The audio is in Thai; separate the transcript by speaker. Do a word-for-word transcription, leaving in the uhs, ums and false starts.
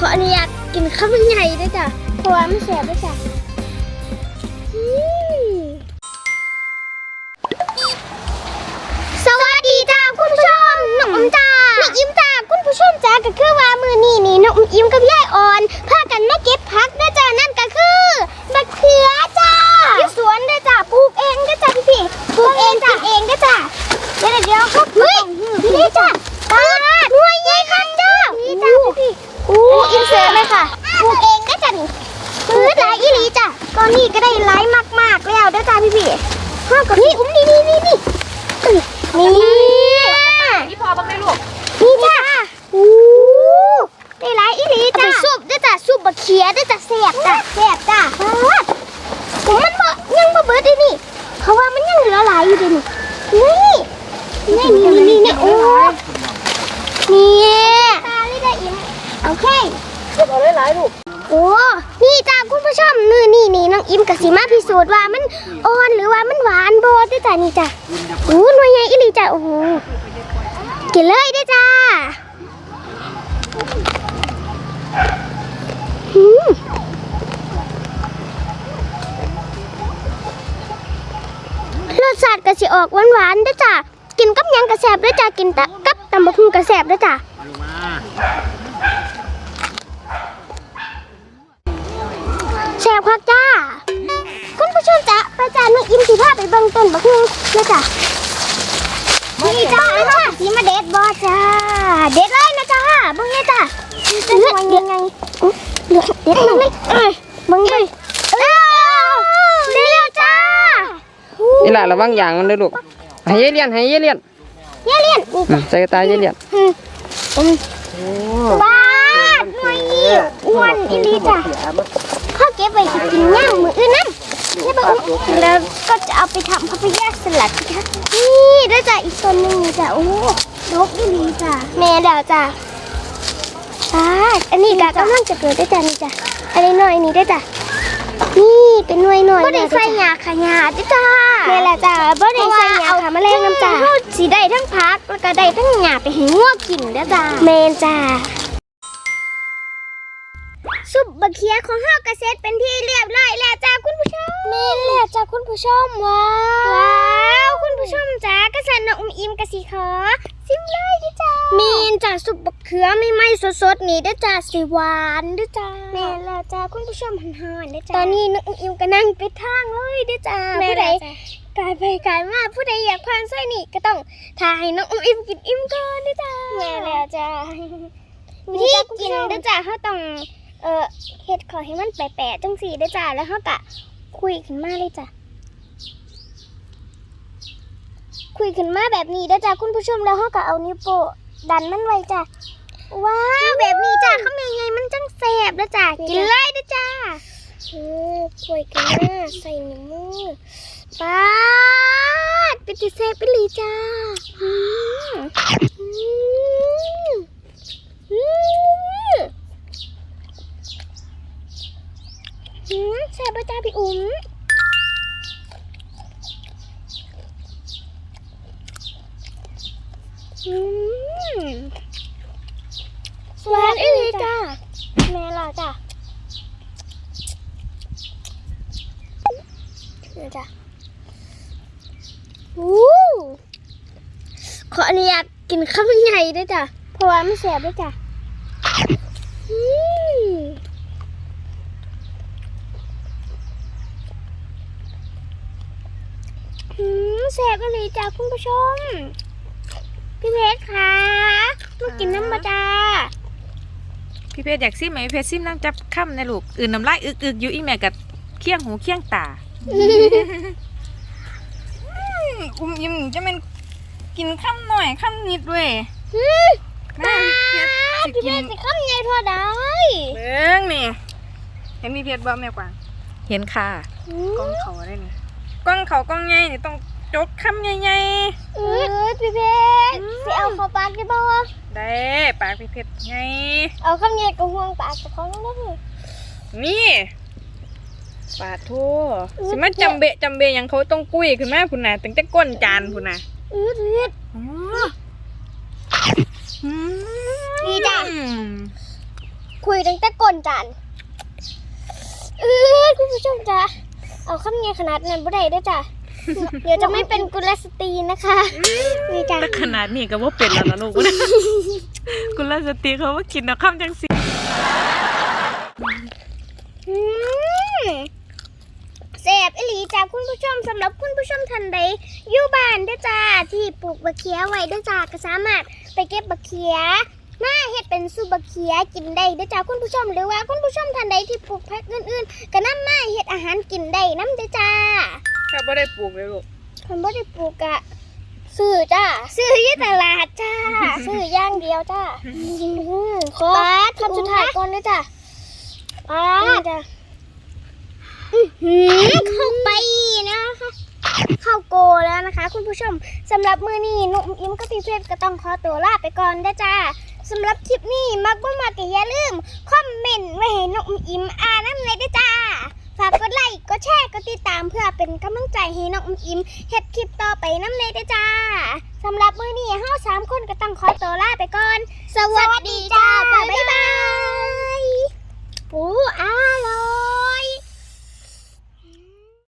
Speaker 1: ออนุญาตกินข้าวมันใหญ่ด้วยจ้ะเพราะว่ามันแสบด้วยจ้ะสวัสดีจ้าคุณผู้ชมน้องอุ้มจ้าน้องอิ่มจ้าคุณผู้ชมจ้าก็คือว่ามือนี่นี่น้องอิ่มกับยายอ่อนพากันมาเก็บผักด้วยจ้านั่นก็คือบักเขือจ้าที่สวนด้วยจ้าปลูกเองด้วยจ้าพี่พี่ปลูกเองจ้าเองด้วยจ้าเดี๋ยวเดี๋ยวครับเฮ้ยนี่จ้าตาหน่วยใหญ่ครับจ้านี่จ้าพี่พี่อู้อินเสิร์ตเลยค่ะปลูกเองด้วยจ้านี่ปื้ดหลายอีหลีจ้าตอนนี้ก็ได้หลายมากๆแล้วด้วยจ้าพี่พี่ห้ากับนี่อุ้มนี่นี่นี่นี่นี่
Speaker 2: พี่พอบ้างไหมลูก
Speaker 1: นี่จ้าอู้ได้หลายอีหลีจ้าซุปด้วยจ้าซุปบะเขียด้วยจ้าแซ่บจ้าแซ่บจ้าผมมันบ่ยังบ่เบิดเลยนี่เขาว่ามันยังเหลือหลายอยู่ดินี่นี่นี่นี่นี่นี่โอ้นี่ตาเลยได้อิ่มโอเค
Speaker 2: เอาได้หลายลูก
Speaker 1: โอ้นี่จ้าคุณผู้ชมมือนี่นี่น้องอิ่มกับสีมาพิสูจน์ว่ามันอ่อนหรือว่ามันหวานโบด้วยจ้านี่จ้าโอ้หน่วยใหญ่อีหลีจ้าโอ้โหกินเลยด้วยจ้าหืมรสชาติก็สิออกหวานๆด้วยจ้ากินกับยังกระแสบด้วยจ้ากินกับตำบักหุ่งกระแสบด้วยจ้าแซ่บคักจ้าคุณผู้ชมจ้าไปจ้าน้องอิ่มสิพาไปเบิ่งต้นบักหุ่งด้วยจ้านี่จ้าค่ะสีมาเด็ดบอจ้าเด็ดเลยนะจ้าเบิ่งเลยจ้าเลือดเด็ดไงเลือดเด็ดหน่อยเอ้ยเบิ่งเลยเอ้าเร็วจ้า
Speaker 2: นี่แหละระวังอย่างมันเลยลูกให้เยเลียนให้เยเลียน
Speaker 1: เยเลียน
Speaker 2: ใส่ตาเยเลียน
Speaker 1: บ้าหน่วยนี่อ้วนอีลีจ้าพ่อเก็บไว้จะกินย่างมืออื่นนั่นนี่ปะอุ๊แล้วก็จะเอาไปทำพาพยาสลัดค่ะนี่ด้วยจ้าอีกตัวหนึ่งจ้าโอ้ดกอีลีจ้าแม่ดาวจ้าอ่าอันนี้กะกำลังจะเกิดด้วยจ้านี่จ้าอันนี้หน่อยนี่ด้วยจ้านี่เป็นหน่วยหน่อยบ่ได้ใส่หยาขยาด้วยจ้าแม่ละจ้าบ่ได้ใส่หยาค่ะแมลงน้ำจ้าสีได้ทั้งพักแล้วก็ได้ทั้งหยาไปให้งัวกินด้วยจ้าแม่จ้าซุปบะเขียของห้าวกระเซ็ตเป็นที่เรียบร้อยแล้วจ้าคุณผู้ชมเมนแล้วจ้าคุณผู้ชมว้าวว้าวคุณผู้ชมจ้ากระสันน้องอุ้มอิ่มกระสีขอซิมเลยดิจ้าเมนจ้าซุปบะเขือไม่ไหม้สดๆนี่ด้วยจ้าสีหวานด้วยจ้าเมนแล้วจ้าคุณผู้ชมหันหันด้วยจ้าตอนนี้น้องอุ้มอิ่มก็นั่งไปทางเลยด้วยจ้าผู้ใดกายไปกายมาผู้ใดอยากผ่านซอยนี่ก็ต้องถ่ายน้องอุ้มอิ่มกินอิ่มก่อนด้วยจ้าเมนแล้วจ้าวิธีกินด้วยจ้าเขาต้องเออเฮ็ดขอให้มันแปะๆจังสีได้จ้าแล้วเขากะคุยขึ้นมาเลยจ้ะคุยขึ้นมาแบบนี้ได้จ้าคุณผู้ชมแล้วเขากะเอานิ้วโป้ดันมันไว้จ้ะว้าวแบบนี้จ้าเขาเป็นไงมันจังแสบแล้วจ้ากินเลยได้จ้าเออคุยกันมาใส่นิ้วมือป๊าดเป็นติเซฟไปเลยจ้าอืมอืมอืมอืมแซ่บจ้าพี่อุ้มอืมสวัสดีจ้าแม่ล่ะจ้านี่จ้าอู้ขออนุญาตกินข้าวมันใหญ่ด้วยจ้าเพราะว่ามันแซ่บด้วยจ้าอืมอืมแซ่บเลยจ้าคุณผู้ชมพี่เพชรคะมากินน้ำมาจ้า
Speaker 2: พี่เพชรอยากซิมไหมพี่เพชรซิมน้ำจับค่ำนะลูกอื่นน้ำลายอึกอึกอยู่อีแม่กับเคี้ยงหูเคี้ยงตาอุ้มยิ้มจะเป็นกินค่ำหน่อยค่ำนิดเว้ย
Speaker 1: ตาพี่เพชรสิข้ามใหญ่ทั่วได้
Speaker 2: เบิ้งนี่เห็นพี่เพชรบ่แม่กวางเห็นค่ะกล้องเขาได้นี่กล้องเขากล้องใหญ่นี่ต้องจกค่ำใหญ่ๆ
Speaker 1: เออพี่เพชรสิเอาเข้าปากได้บ่
Speaker 2: ได้ปากพี่เพชรไง
Speaker 1: เอาข้ามใหญ่กับห่วงปากกับของนั่นเลย
Speaker 2: นี่ปาทูสิมาจำเบะจำเบะยังเขาต้องกุ้ยขึ้นมาพุ่นน่ะตั้งแต่ก้นจานพุ่นน่ะ
Speaker 1: เออพี่เพชร
Speaker 2: อ๋อ
Speaker 1: นี่จ้ะคุยตั้งแต่ก่อนจานเออคุณผู้ชมจ้ะเอาคำเงี้ยขนาดนั้นบ่ได้ด้วยจ้ะเดี๋ยวจะไม่เป็นกุลสตรีนะคะนี่จ้ะ
Speaker 2: แต่ขนาดนี้ก็ว่าเป็นแล้วนะลูก กุลสตรีเขาว่ากินนะคำจังสิ
Speaker 1: อืมแซ่บอีหลีจ้าคุณผู้ชมสำหรับคุณผู้ชมท่านใดอยู่บ้านเด้อจ้าที่ปลูกบักเขียไว้เด้อจ้าก็สามารถไปเก็บบักเขียมาเฮ็ดเป็นซุปบักเขียกินได้เด้อจ้าคุณผู้ชมหรือว่าคุณผู้ชมท่านใดที่ปลูกผักอื่นๆก็นำมาเฮ็ดอาหารกินได้นำเด้อจ้า
Speaker 2: ถ้าไม่ได้ปลูกเลยลูก
Speaker 1: คนบ่ได้ปลูกอะซื้อจ้าซื้อที่ตลาดจ้าซื้ออย่างเดียวจ้าขอคำสุดท้ายก่อนเด้อจ้าป้าจ้าเข้าไปนะคะเข้าโกแล้วนะคะ คุณผู้ชมสำหรับมือนี้นุ่มอิ่มกับพี่เพชรก็ต้องขอตัวลาไปก่อนเด้อจ้าสำหรับคลิปนี้มักบ่มากก็อย่าลืมคอมเมนต์ไว้ให้นุ่มอิ่มอ่านน้ำเลยเด้อจ้าฝากกดไลค์กดแชร์กดติดตามเพื่อเป็นกำลังใจให้น้องอิ่มเฮ็ดคลิปต่อไปน้ำเลยเด้อจ้าสำหรับมือนี้เฮาสามคนก็ต้องขอตัวลาไปก่อนสวัสดีจ้าบ๊ายบาย